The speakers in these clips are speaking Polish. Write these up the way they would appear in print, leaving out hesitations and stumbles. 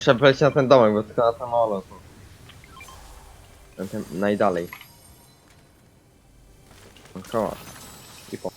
Trzeba polecieć na ten domek, bo tylko na ten molo to... Ten najdalej. Koła. I po.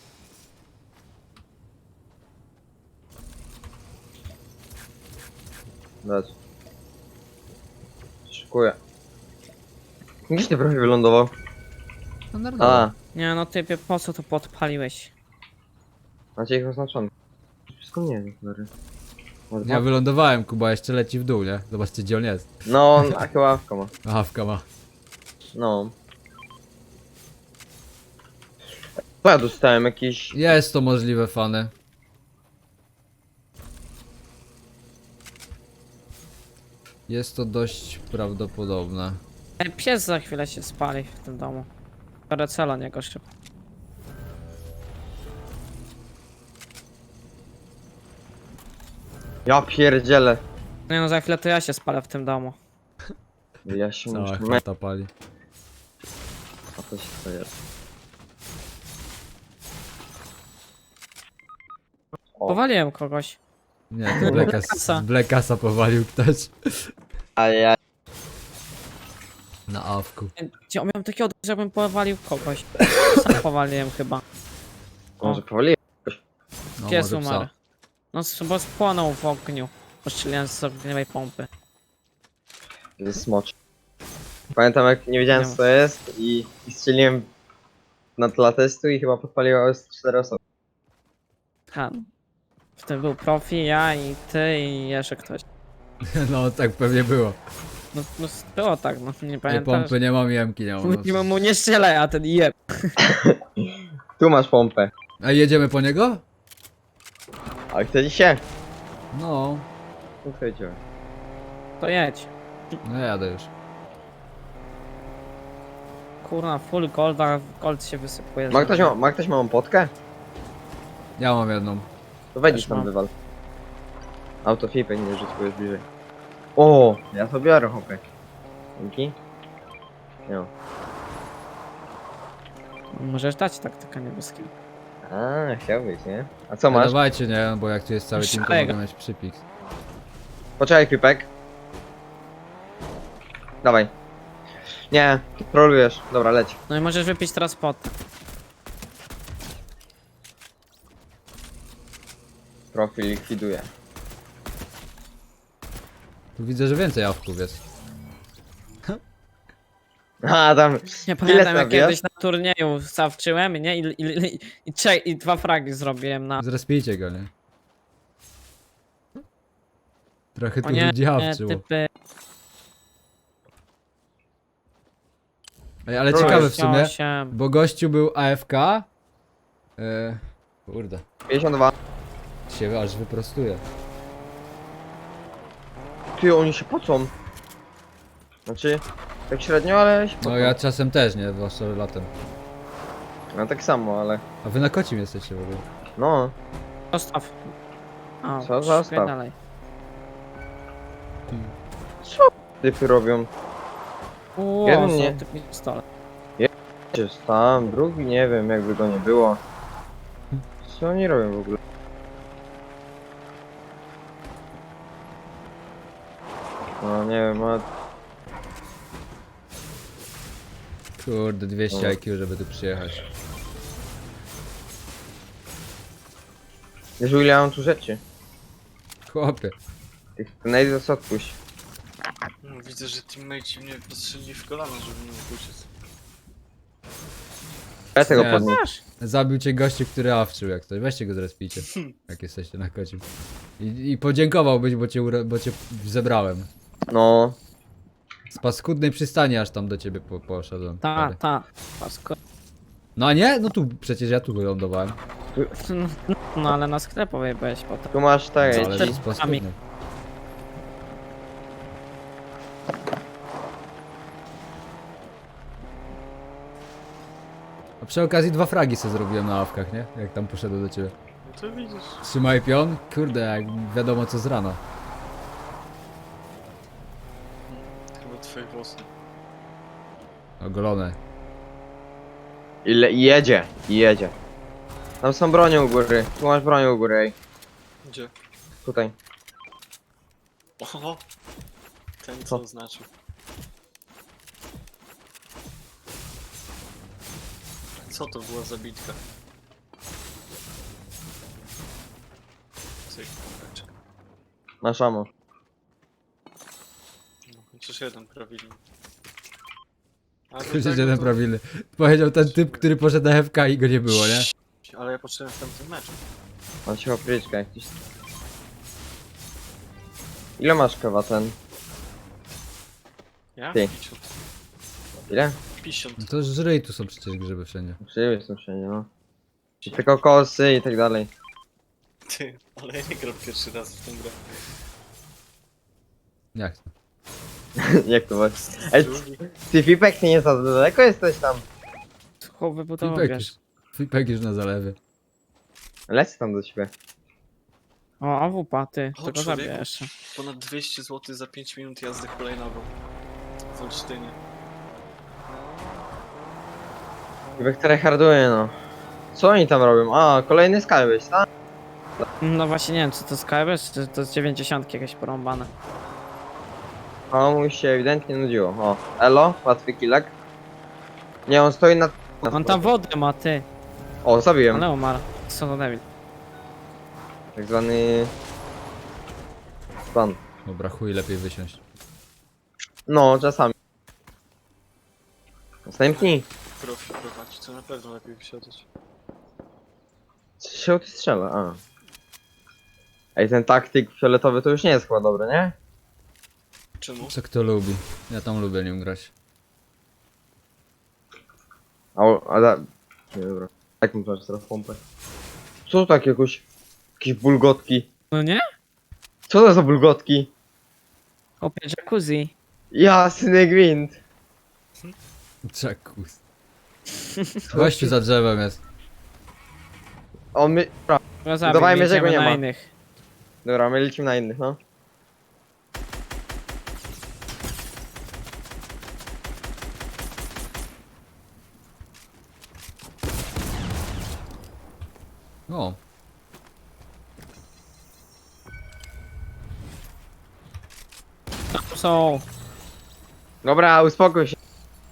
Dać. Szykuję. Gdzieś ty prawie wylądował? A, Nie no typie, po co to podpaliłeś? macie ich oznaczony. Wszystko nie wiem, stary. Może Ja wylądowałem, Kuba jeszcze leci w dół, nie? Zobaczcie gdzie on jest. No, a chyba awka ma. Awka ma. No. Bo ja dostałem jakiś... Jest to możliwe, fany. Jest to dość prawdopodobne. Pies za chwilę się spali w tym domu. Biorę celo niego szybko. Ja pierdzielę. Nie no, za chwilę to ja się spalę w tym domu. Ja się Cała muszę... chata pali. A to się to jest. O, Powaliłem kogoś. Nie, to Blackasa. Blackasa powalił ktoś. a ja... Na awku. Gdzie miałem taki odruch, żebym powalił kogoś. Sam powaliłem chyba. Może powoli? No, Pies może umarł. psa. No bo spłonął w ogniu. Postrzeliłem z ogniowej pompy. Jest smocz. Pamiętam jak nie wiedziałem co to jest i strzeliłem na tle testu i chyba podpaliło 4 osoby. Ha. W tym był profi, ja i ty i jeszcze ktoś. No tak pewnie było. No było tak, no nie Nie pamiętam. pompy nie mam, jemki nie mam. Mówimy mu nie strzelaj, a ten jeb. Tu masz pompę. A jedziemy po niego? A chcecie się? No. Tu chcecie. To jedź. No jadę już. Kurna, full golda, gold się wysypuje. Ma ktoś małą potkę? Ja mam jedną. To wejdź Też tam mam. wywal. Autofipek nie rzuć, bo jest bliżej. O, ja to biorę hopę. Dzięki. Nie. Możesz dać taktykę niebieską. A, chciałbyś, nie? A co No masz? dawajcie, nie? Bo jak tu jest cały team, to Szalego. mogę mieć przypik. Poczekaj, Pipek. Dawaj. Nie, trolujesz. Dobra, leć. No i możesz wypić teraz pot. Profil likwiduje. Tu widzę, że więcej awków jest. A, tam... Nie pamiętam jak tam kiedyś jest? na turnieju zawczyłem, nie? I 2 fragi zrobiłem na... Zrespijcie go, nie? Trochę tu O nie, ludzi awczyło. typy... Ej, ale Trochę ciekawe w sumie, 8. bo gościu był AFK. Kurde, 52. się aż wyprostuje. Ty, oni się pocą. Znaczy, tak średnio, ale się pocą. No ja czasem też, nie? Zwłaszcza latem. No tak samo, ale... A wy na kocim jesteście w ogóle. No, Zostaw. O, Co zostaw? szukaj dalej. typy robią. Uuu, Jeden nie. złoty pistolet. Jest tam, drugi nie wiem, jakby go nie było. Co oni robią w ogóle? No nie wiem, a... Kurde, 200 No. IQ, żeby tu przyjechać. Wiesz, ile ja mam tu rzeczy? Chłopie. Tych najdę co odpuść. No, widzę, że teammates mnie postrzelili w kolano, żeby nie mógł uciec. Ja tego Nie. podniosę. Masz. Zabił cię gościu, który awczył jak coś. Weźcie go zrespijcie. Jak jesteście na kocim. I podziękowałbyś, bo cię zebrałem. No, Z paskudnej przystani aż tam do ciebie poszedłem. Ta, Sorry. ta. Pasko. No a nie? No tu przecież ja tu wylądowałem. No ale na sklepowej byłeś potem. tu masz tak, No, ja ale ci... z paskudnej. A przy okazji 2 fragi sobie zrobiłem na awkach, nie? Jak tam poszedłem do ciebie. No to widzisz. Trzymaj pion? Kurde, jak wiadomo co z rana. Chyba twoje włosy. Ogolone. Ile... jedzie. Tam są bronie u góry. Tu masz broń u góry, ej. Gdzie? Tutaj. Oho! Ten Co? co znaczył. Co to była za bitka? Cyk, pompeczka. Masz amo. No, chociaż jeden prawidłny. A do Chociaż tego jeden to- prawilny. Powiedział ten typ, który poszedł na FK i go nie było, nie? Ale ja patrzyłem w tamtym meczu. Mam się opryczka jakiś. Ile masz kawa ten? Ja? Ty. 50. Ile? 50. No to żryj, tu są przecież grzyby wszędzie. Przyjemnie są wszędzie, no. I tylko kosy i tak dalej. Ty, ale ja nie gram pierwszy raz w tę grę. Jak to? Jak to właśnie? Ej, Drugi. ty Fipek, ty nie za daleko jesteś tam. Chłop wybudował, Flipek wiesz. już. Flipek już na zalewie. Lecę tam do ciebie. O, AWP, ty. O, To go człowieku. zabiję jeszcze. Ponad 200 zł za 5 minut jazdy hulajnogą. W Olsztynie. Fipek tryharduje, no. Co oni tam robią? A, kolejny Skybase, tak? No właśnie nie wiem, czy to Skybase, czy to z 90 jakieś porąbane. O, mu się ewidentnie nudziło. O, elo, łatwy killek. Nie, on stoi na... On tam wodę ma, ty. O, zabiłem. Ale umarł. Co to debil. Tak zwany... Ban. Dobra, chuj, lepiej wysiąść. No, czasami. Następni. Profi prowadzi, to na pewno lepiej wysiadać. Się ty strzela, a. Ej, ten taktyk fioletowy to już nie jest chyba dobry, nie? Czemu? Co kto lubi? Ja tam lubię nim grać. A da... Nie, dobra. Jak mi masz teraz pompę? Co to takie jakieś bulgotki? No nie? Co to za bulgotki? Opie jacuzzi. Jasny gwint. Czekus. Gościu za drzewem jest. On my... Dobra, Go zabił, Udawajmy, że go jedziemy nie na ma. innych. dobra, my lecimy na innych, no. O, Tam są. Dobra, uspokój się.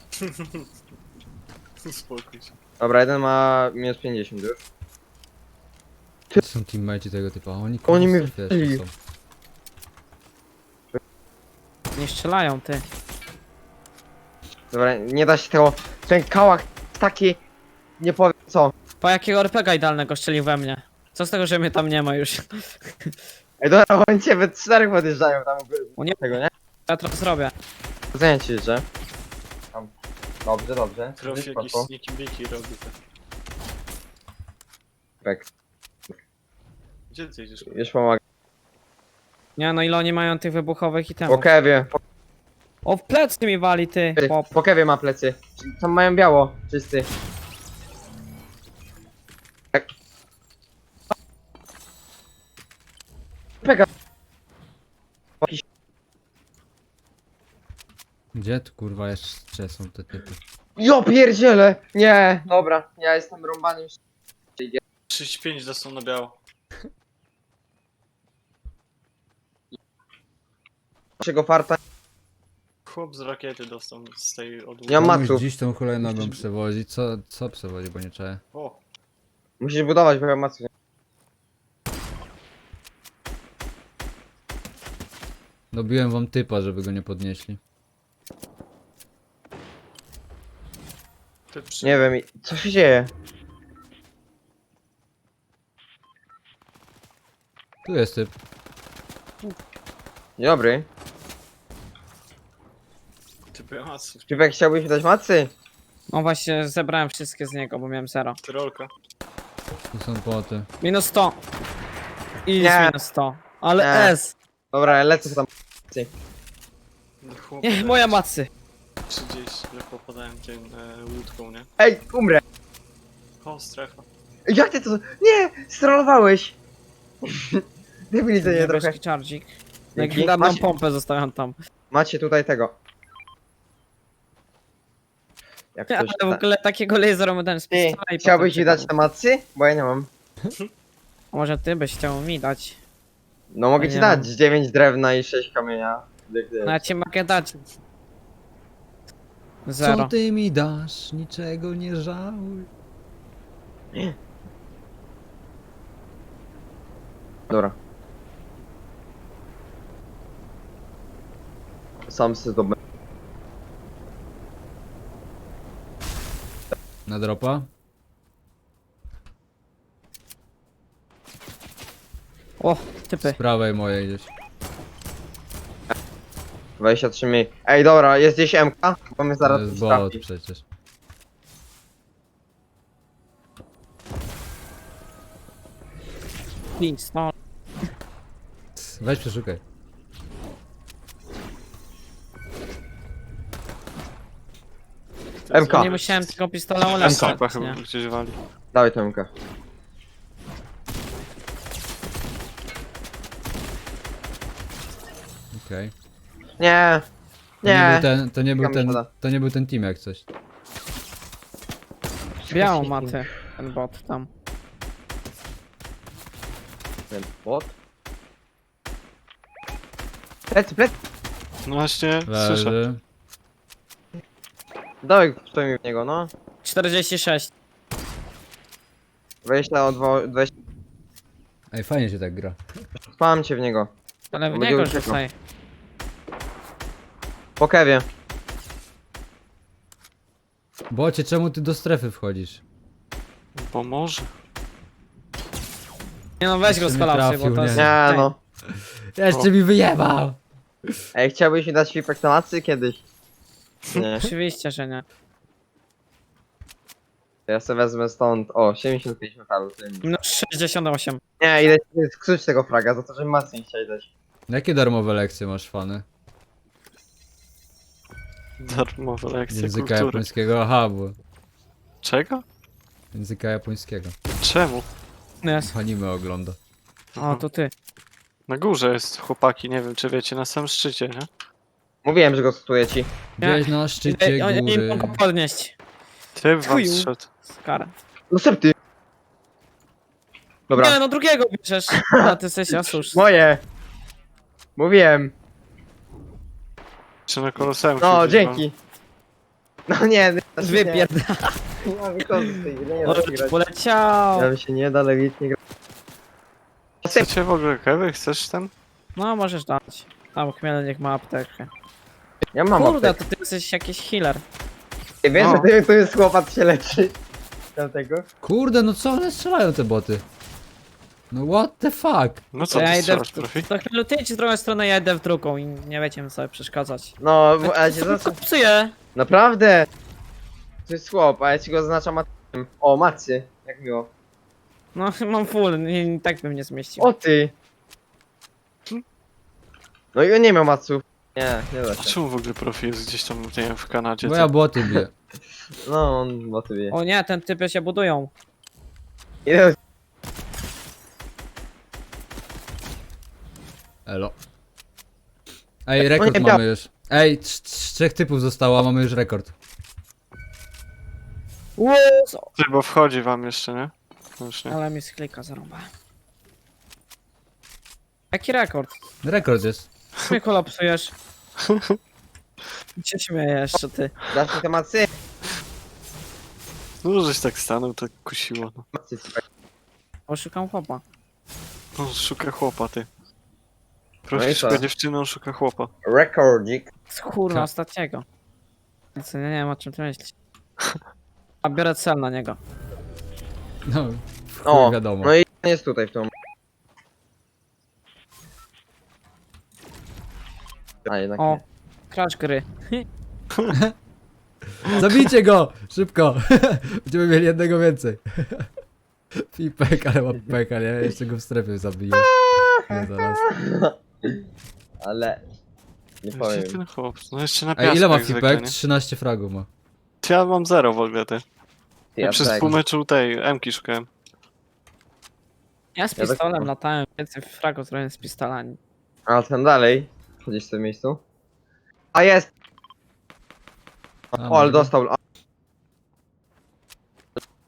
Uspokój się. Dobra, jeden ma minus 50 już. to są teammateci tego typa. Oni Oni mnie kurwa, wiesz, wbili. są. Nie strzelają, ty. Dobra, nie da się tego... Ten kałach taki... Nie powiem co. Po jakiego RPGa idealnego strzelił we mnie? Co z tego, że mnie tam nie ma już? Ej, dobra, oni cię we czterech podjeżdżają tam. O nie. Tego, nie? Ja teraz zrobię. Zajęcie ci, że? Tam. Dobrze, dobrze. Profi jakiś Spoko. sneaky biki robi tak. Tak, Gdzie ty jedziesz? już pomagam. Nie no, ile oni mają tych wybuchowych i Po temu. kewie. O, w plecy mi wali, ty. Pop. Po kewie ma plecy. Tam mają biało, czysty. Tak. Peka. Gdzie tu kurwa jeszcze są te typy? Jo pierdziele! Nie, dobra, ja jestem rąbany już. 35 dostał na biało. Naszego farta. Chłop z rakiety dostał z tej odłóg. Nie mam Komuś maców. dziś tą hulajnogą przewozi. Co przewozi, bo nie czaję. O, Musisz budować, bo ja mam maców. Dobiłem wam typa, żeby go nie podnieśli. ty przy... Nie wiem, co się dzieje? Tu jest typ. Dzień dobry. Ty byłasy. Czy chciałbyś mi dać macy? No właśnie, zebrałem wszystkie z niego, bo miałem 0. Tyrolka. Tu są płoty. Minus 100. I Nie. minus 100. Ale Nie. S. Dobra, lecę tam. Chłopie, Nie, moja macy. 30, lekko podałem tym łódką, nie? Ej, umrę! O, strefa. Jak ty to... Nie! Strollowałeś! Debilizenie trochę. Niebieski czardzik. Dzięki. Legendarną Macie- pompę zostawiam tam. Macie tutaj tego. Jak Ale ktoś... w ogóle takiego lasera dałem z Ty, pistola i chciałbyś potem mi dać czekał. te macy? Bo ja nie mam. Może ty byś chciał mi dać. No mogę Ja ci nie dać mam. 9 drewna i 6 kamienia. Jak No ja wiesz. ci mogę dać. Co 0. ty mi dasz? Niczego nie żałuj. Dobra. Sam sobie zdobę. Na dropa? O, Z typy. prawej mojej gdzieś. 23 mniej. Ej, dobra, jest gdzieś MK? Bo mnie To zaraz jest tu bot trafi. przecież. Please, no. Weź przeszukaj. MK. Nie musiałem tego pistola MK ulepszać, chyba nie? gdzieś wali. Dawaj to MK. Okej. Nie. To nie Nie. był ten, to nie był Kamil ten, szkoda. to nie był ten team jak coś. Białą maty, ten bot tam. Ten bot. Plecy, plecy. No właśnie, słyszę. Leży. Dawaj, stój mi w niego, no. 46. 20 od 20. Ej, fajnie się tak gra. Spałem cię w niego. Ale w Będzie niego uciekał. rzucaj. Po kewie. Bocie, czemu ty do strefy wchodzisz? Bo może. Nie no, weź Jeszcze go z nie kolapsy, trafił, bo to jest... nie. Nie no. Jeszcze mi wyjebał! Ej, chciałbyś mi dać feedback na macy kiedyś? Nie. Oczywiście, że nie. Ja sobie wezmę stąd. O, 75 metalu. tyle mi. Minus 68. Nie, idę skrzycz tego fraga za to, że macy nie chciałeś dać. Jakie darmowe lekcje masz, fany? Darmowe lekcje Języka kultury. japońskiego? Aha, bo... Czego? Języka japońskiego. Czemu? Jest. Anime ogląda. O, to ty. Na górze jest chłopaki, nie wiem czy wiecie, na samym szczycie, nie? Mówiłem, że go cytuję ci. Gdzieś na szczycie Oni nie góry. mogą podnieść. Ty w Chuju. was szedł. Skara. No ty. Dobra. Nie no, drugiego bierzesz. A ty jesteś oszust. Moje. Mówiłem. Czy na koloseum No, się dzięki. No nie, Wypierdala. Ja wychodzę z tej gry, nie da Może się grać. poleciał. Nam się nie da legitnie grać. Chcecie w ogóle kewy? Chcesz ten? No, możesz dać. A, bo Chmiel niech ma aptekę. Ja mam Kurde, aptekę. to ty jesteś jakiś healer. Wiesz, No. że tu jest chłopak się leczy. Dlatego. Kurde, no co one strzelają te boty? No what the fuck? No To co ja ty idę strzelasz, w... profi? To Chmielu, ty idź w drugą stronę, ja idę w drugą i nie będziemy sobie przeszkadzać. No, a cię zaznaczam. Psuję. Naprawdę! To jest chłop, a ja ci go zaznaczam matkiem. O, macie. Jak miło. No, mam full, nie, tak bym nie zmieścił. O ty! No i on nie miał maców. Nie da A się. czemu w ogóle profi jest gdzieś tam, nie wiem, w Kanadzie? Bo ja boty biję. No, on motywuje. O nie, ten typy się budują. Ile Elo. Ej, rekord nie, mamy już. Ej, trzech typów zostało, a mamy już rekord. Ty, bo wchodzi wam jeszcze, nie? No już nie. Ale mi z klika zarąba. Jaki rekord? Rekord jest. Mnie kolapsujesz. Cię śmiejesz, co ty. dasz mi te macy? No, żeś tak stanął, tak kusiło. No, Macy ci tak. Oszukam chłopa. no szuka chłopa, ty. No Profi i co? szuka dziewczyny, on szuka chłopa. Rekordzik. Kurwa, Tak. ostatniego. Więc nie wiem o czym ty myślisz. A biorę cel na niego. No, w chuj O, wiadomo. no i on jest tutaj w tą. A jednak O, nie. crash gry. Zabijcie go! Szybko! Będziemy mieli jednego więcej. Pipek, ale ma peka, nie? Jeszcze go w strefie zabiję. Nie, zaraz. Ale... Nie Gdzie powiem. ten chłop? No jeszcze na piasku Ej, ile ma jak zwykle, Pipek? nie? 13 fragów ma. Ja mam 0 w ogóle, ty. Ty, Ja ja przez tak. pół meczu tej M-ki szukałem. Ja z Ja tak- pistolem latałem, więcej fragów zrobiłem z pistolami. A ten dalej. Chodzisz w tym miejscu. A jest! A, O, ale może go? dostał. A.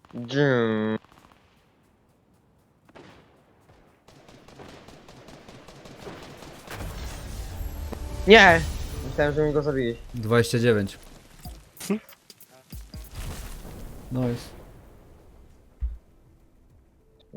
Dżum. Nie! Myślałem, że mi go zabiłeś. 29. Nice.